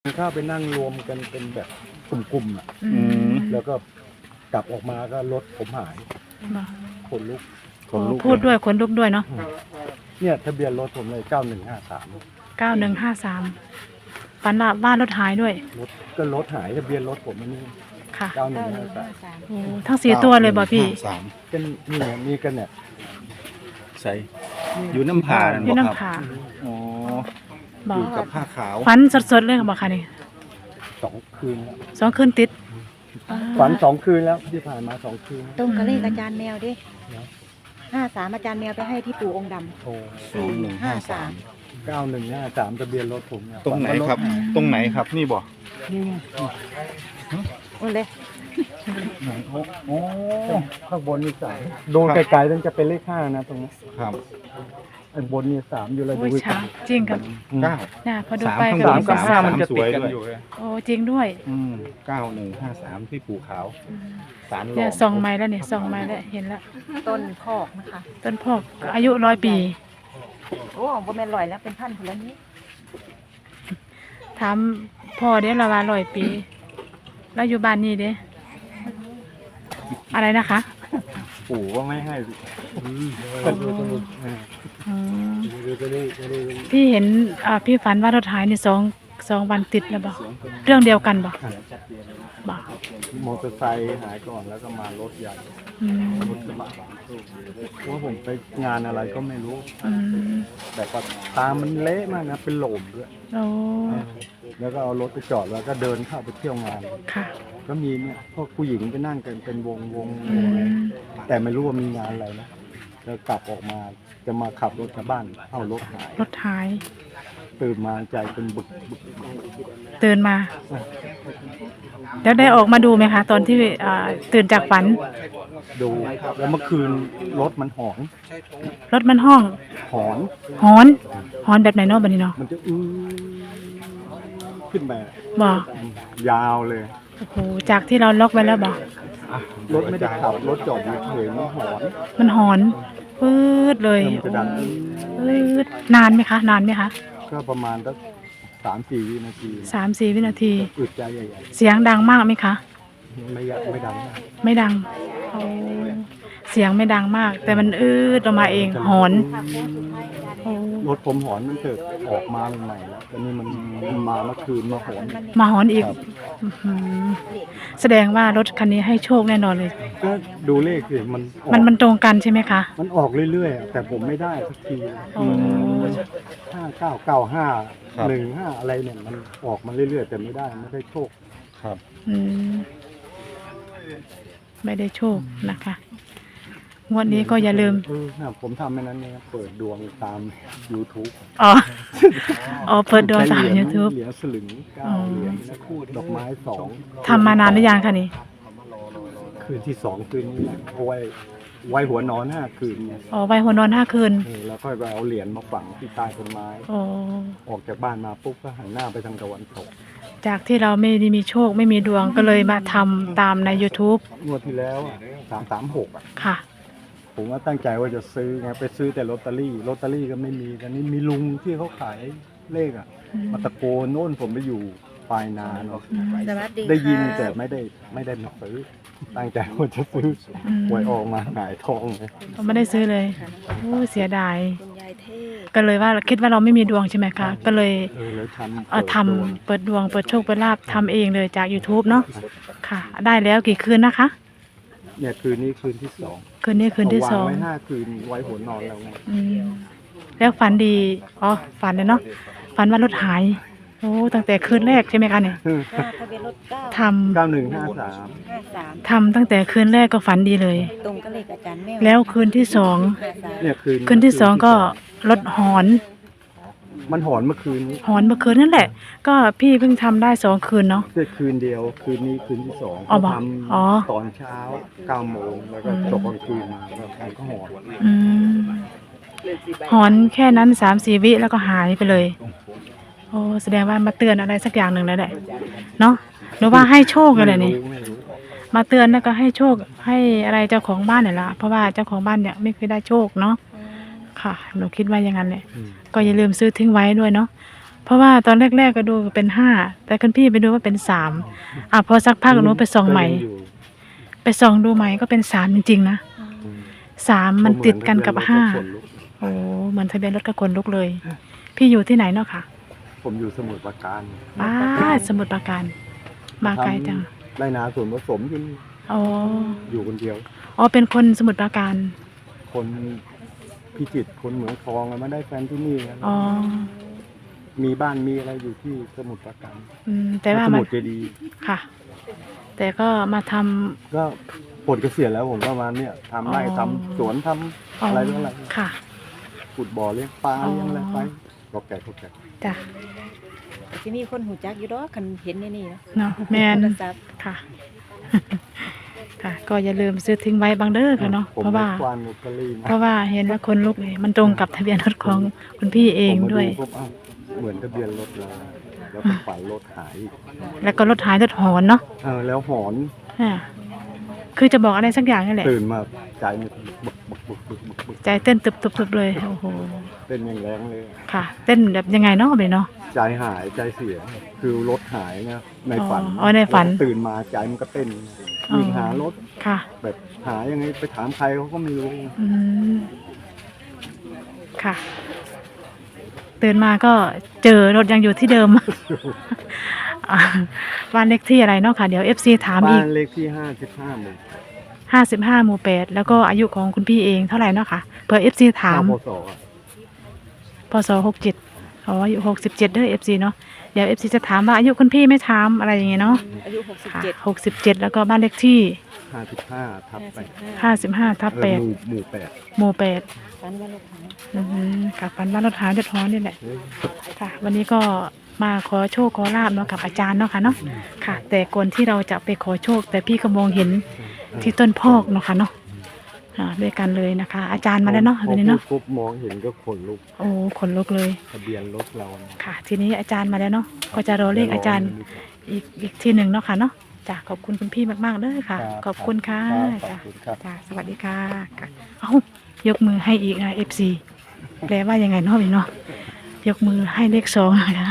เข้าไปนั่งรวมกันเป็นแบบกลุ่มๆอ่ะแล้วก็กลับออกมาก็รถผมหายขนลุกพูดด้วยขนลุกด้วยเนาะเนี่ยทะเบียนรถผมเลย 9153ฝันว่าบ้านรถหายด้วยรถหายทะเบียนรถผมอันนี้ค่ะ 9153 โอ้ทั้ง4ตัวเลยบ่พี่กันนี่มีกันเนี่ยใส่อยู่น้ำผาอยู่น้ำผาอ๋อบ่อยู่กับผ้าขาวฝันสดๆเลยบ่คะนี่ 2 คืนแล้ว 2 คืนติดฝัน2 คืนแล้วที่ผ่านมา2 คืนตรงกับเลขอาจารย์แมวดิ53อาจารย์แมวไปให้ที่ปู่องค์ดำโอ้ 453 9153ทะเบียนรถผมเนี่ยตรงไหนครับ ตรงไหนครับนี่บ่นี่ไงโอ้เลยโอ้ข้างบนนี่3ดูไกลๆนั่นจะเป็นเลข5นะตรงนี้ครับไอ้บนนี่3อยู่เลยโอ้ดูยช้าจริงครับ 9 น่ะพอดูสามไปข้างก็บนมีกับ 3 มันจะติดกันสวยด้วยอยู่เลยโอ้จริงด้วย 9153ที่ภูเขาสารหลเนี่อยส่องไม้แล้วเนี่ยส่องไม้แล้วเห็นแล้วต้นคอกนะคะต้นพอกอายุ100 ปีโอ้บ่แม่นลอยแล้วเป็นพันคนแล้วนี้ถามพ่อเด้ละว่า100 ปีแล้วอยู่บ้านนี้เด้อะไรนะคะปู่ว่าไม่ให้อืมพี่เห็นพี่ฝันว่ารถหายใน2 วันติดแล้วบ่เรื่องเดียวกันบ่บ่มอเตอร์ไซค์หายก่อนแล้วก็มารถใหญ่อืมรถกระบะว่าผมไปงานอะไรก็ไม่รู้อืมแต่ก็ตามันเละมากนะเป็นโหลมด้วยโอ้แล้วก็เอารถไปจอดแล้วก็เดินเข้าไปเที่ยวงานค่ะก็มีเนี่ยพวกผู้หญิงไปนั่งกันเป็นวงอืมแต่ไม่รู้ว่ามีงานอะไรนะแล้วกลับออกมาจะมาขับรถกลับบ้านเอารถหายรถหายตื่นมาใจเป็นบึกตื่นมาแล้วได้ออกมาดูไหมคะ ตอนที่ตื่นจากฝันดูแล้วเมื่อคืนรถมันหอนรถมันห้องหอนหอนหอนแบบไหนเนาะบัดนี้เนาะมันจะขึ้นไปบ่ยาวเลยโอ้โหจากที่เราล็อกไว้แล้วบ่รถไม่ได้ขับรถจอดอยู่เฉยมันหอนมันหอนปื๊ดเลยมันจะดังปื๊ดนานไหมคะ นานไหมคะก็ประมาณสัก3-4 วินาที 3-4 วินาทีอึดใจใหญ่เสียงดังมากไหมคะๆไม่ดังมากไม่ดังโอ้เสียงไม่ดังมาก แต่มันอืดออกมาเองหอนโอ้รถผมหอนมันเกิดออกมาใหม่ๆแล้วแต่นี่มันมาเมื่อคืนมาหอนมาหอนอีกครับอื้อหือแสดงว่ารถคันนี้ให้โชคแน่นอนเลยก็ดูเลขสิมันออกมันตรงกันใช่ไหมคะมันออกเรื่อยๆอะแต่ผมไม่ได้สักทีโอ้ 599515อะไรเนี่ยมันออกมาเรื่อยๆแต่ไม่ได้โชคครับอืมไม่ได้โชคนะคะงวดนี้ก็อย่าลืมผมทำแค่นั้นเองเปิดดวงตาม YouTube อ๋อ อ๋อ เปิดดวงตาม YouTube เหรียญสลึง9เหรียญนะดอกไม้2 ทำมานานหรือยังคะนี่คืนที่2คืนนี้เอาไว้หัวนอน5 คืนเนี่ยอ๋อไว้หัวนอน5 คืนแล้วค่อยไปเอาเหรียญมาฝังที่ใต้ต้นไม้อ๋อออกจากบ้านมาปุ๊บก็หันหน้าไปทางตะวันตกจากที่เราไม่ได้มีโชคไม่มีดวงก็เลยมาทำตามใน YouTube งวดที่แล้ว336 ค่ะผมว่าตั้งใจว่าจะซื้อไงไปซื้อแต่ลอตเตอรี่ก็ไม่มีแต่นี่มีลุงที่เขาขายเลขมาตะโกนโน่นผมไปอยู่ปลายนาเนาะสวัสดีได้ยินค่ะแต่ไม่ได้มาซื้อตั้งใจว่าจะซื้ออืมหวยออกมาหงายทองเลยไม่ได้ซื้อเลยโอ้เสียดายคุณยายเทพก็เลยว่าคิดว่าเราไม่มีดวงใช่ไหมคะ ก็เลยแล้วททำำเปิดดวงเปิดโชคเปิดลาภทำเองเลยจาก YouTube เนาะค่ะ ได้แล้วกี่คืนนะคะเนี่ยคืนนี้คืนที่2 คืนนี้คืนที่วาง 2 ไว้5 คืนไว้หัวนอนแล้วไงอืมแล้วฝันดี อ๋อ ฝันเลยเนาะ ฝันว่ารถหาย โอ้ ตั้งแต่คืนแรกใช่ไหมคะเนี่ยทะเบียนรถท 9 9153 53 ทำตั้งแต่คืนแรกก็ฝันดีเลยตรงกับเลขอาจารย์แมวแล้วคืนที่สองเนี่ยคืนที่สองก็รถหอนมันหอนเมื่อคืนนี้หอนเมื่อคืนนั่นแหละ ก็พี่เพิ่งทำได้2 คืนเนาะแต่คืนเดียวคืนนี้คืนที่2 อ๋อบอกทอ๋อำตอนเช้า9 โมงแล้วก็ตกกลางคืนมาแล้วมันก็หอนอืมหอนแค่นั้น3-4 วิแล้วก็หายไปเลย โอ้แสดงว่ามาเตือนอะไรสักอย่างหนึ่งแล้วแหละ เนาะหรือว่าให้โชคอะไรนี่ไม่รู้มาเตือนแล้วก็ให้โชคให้อะไรเจ้าของบ้านเนี่ยละเพราะว่าเจ้าของบ้านเนี่ยไม่เคยได้โชคเนาะค่ะหนูคิดว่าอย่างนั้นแหละอืมก็อย่าลืมซื้อทิ้งไว้ด้วยเนาะเพราะว่าตอนแรกๆก็ดูเป็นห้าแต่คุณพี่ไปดูว่าเป็นสามพอสักพักหนูไปส่องใหม่ก็ยังอยู่ไปส่องดูใหม่ก็เป็นสามจริงๆนะอืมสามมันติดกันกับห้าผมเหมือนทะเบียนรถโอ้เหมือนทะเบียนรถกับคนลุกเลย พี่อยู่ที่ไหนเนาะค่ะผมอยู่สมุทรปราการสมุทรปราการ มาไกลจังไรนาส่วนผสมอยู่นี่อ๋ออยู่คนเดียวอ๋อเป็นคนสมุทรปราการคนพิจิตรคนเหมืองทองอะมาได้แฟนที่นี่นะอ๋อมีบ้านมีอะไรอยู่ที่สมุทรปราการแต่ว่าสมามุทรเจดีย์ค่ะ แต่ก็มาทำก็ปลดเกษียณแล้วผมก็มาเนี่ยทำไร่อ๋อทำสวนทำอะไรต่ออะไรค่ะขุดบ่อเลี้ยงปลาอ๋อเลี้ยงอะไรไปก็แก่ก็แก่จ้ะแต่ที่มีคนหูจักอยู่ดอกคันเห็นในนี่เนาะเนาะแมนโทรศัพท์ค่ะ ค่ะ ก็อย่าลืมซื้อทิ้งไว้บางเด้อค่ะเนาะผมเพราะไม่ว่าควานลอตเตอรี่นะเพราะว่าเห็นว่าคนลุกเลยมันตรงกับทะเบียนรถของคุณพี่เองด้วยผมมาปุ๊บอ้าวเหมือนทะเบียนรถเราแล้วก็ฝันรถหายอีกแล้วก็รถหายรถหอนเนาะแล้วหอนอ่าคือจะบอกอะไรสักอย่างนี่แหละตื่นมาใจมันบึกบึกบึกบึกบึกบึกใจเต้นตึบๆเลยโอ้โหเป็นอย่างแรงเลยค่ะ เต้นแบบยังไงเนาะเลยเนาะใจหายใจเสียคือรถหายนะในฝันอ๋อในฝันแล้วตื่นมาใจมันก็เต้นวิ่งหารถค่ะแบบหายังไงไปถามใครเขาก็ไม่รู้อืมค่ะ ตื่นมาก็เจอรถยังอยู่ที่เดิม อ่าบ้านเลขที่อะไรเนาะค่ะเดี๋ยว FC ถามบ้าอีกนเลขที่55 หมู่ 55 หมู่ 8 แล้วก็อายุของคุณพี่เองเท่าไหร่เนาะค่ะเผื่อ FC ถามพศอะพศ67อ๋ออายุ67เด้อ FC เนาะเดี๋ยว FC จะถามว่าอายุคุณพี่ไม่ถามอะไรอย่างเงี้ยเนาะอายุค่ะ 67 67แล้วก็บ้านเลขที่ 55 ทับไป 55 ทับหมู่ 8หมู่ 8 ฝันว่าลูกหายกับปันบ้านรถหาเดือดร้อนนี่แหละ 8 ค่ะ วันนี้ก็มาขอโชคขอลาบเนาะกับอาจารย์เนาะค่ะเนาะค่ะ แต่ก่อนที่เราจะไปขอโชค แต่พี่ก็มองเห็นที่ต้นพอกเนาะค่ะเนาะด้วยกันเลยนะคะ อาจารย์มาแล้วเนาะวันนี้เนาะปุ๊บมองเห็นก็ขนลุกโอ้ขนลุกเลยทะเบียนรถเรานะค่ะ ทีนี้อาจารย์มาแล้วเนาะก็จะรอเลขอาจารย์อีกทีหนึ่งเนาะค่ะเนาะจ้ะขอบคุณคุณพี่มากๆเลยค่ะ ขอบคุณค่ะขอจ้ะบคุณครับจ้ะสวัสดีค่ะค่ะเอ้ายกมือให้อีกนะ FC แปลว่ายังไงเนาะพี่เนาะยกมือให้เลข2นะคะ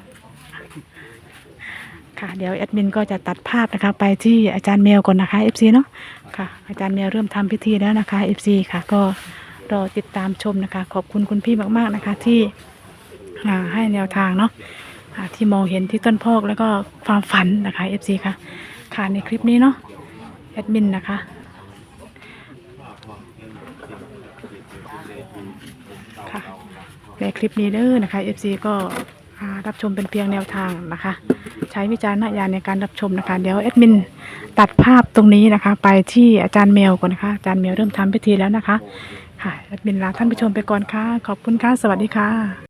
ค่ะเดี๋ยวแอดมินก็จะตัดภาพนะคะไปที่อาจารย์แมวก่อนนะคะ FC เนาะค่ะอาจารย์แมวเริ่มทำพิธีแล้วนะคะ FC ค่ะก็รอติดตามชมนะคะ ขอบคุณคุณพี่มากๆนะคะที่ให้แนวทางเนาะที่มองเห็นที่ต้นพอกแล้วก็ความฝันนะคะ FC ค่ะค่ะในคลิปนี้เนาะแอดมินนะคะค่ะในคลิปนี้เด้อนะคะ FC ก็รับชมเป็นเพียงแนวทางนะคะ ใช้วิจารณญาณในการรับชมนะคะ เดี๋ยวแอดมินตัดภาพตรงนี้นะคะ ไปที่อาจารย์แมวก่อนนะคะอาจารย์แมวเริ่มทำพิธีแล้วนะคะค่ะแอดมินลาท่านผู้ชมไปก่อนค่ะขอบคุณค่ะสวัสดีค่ะ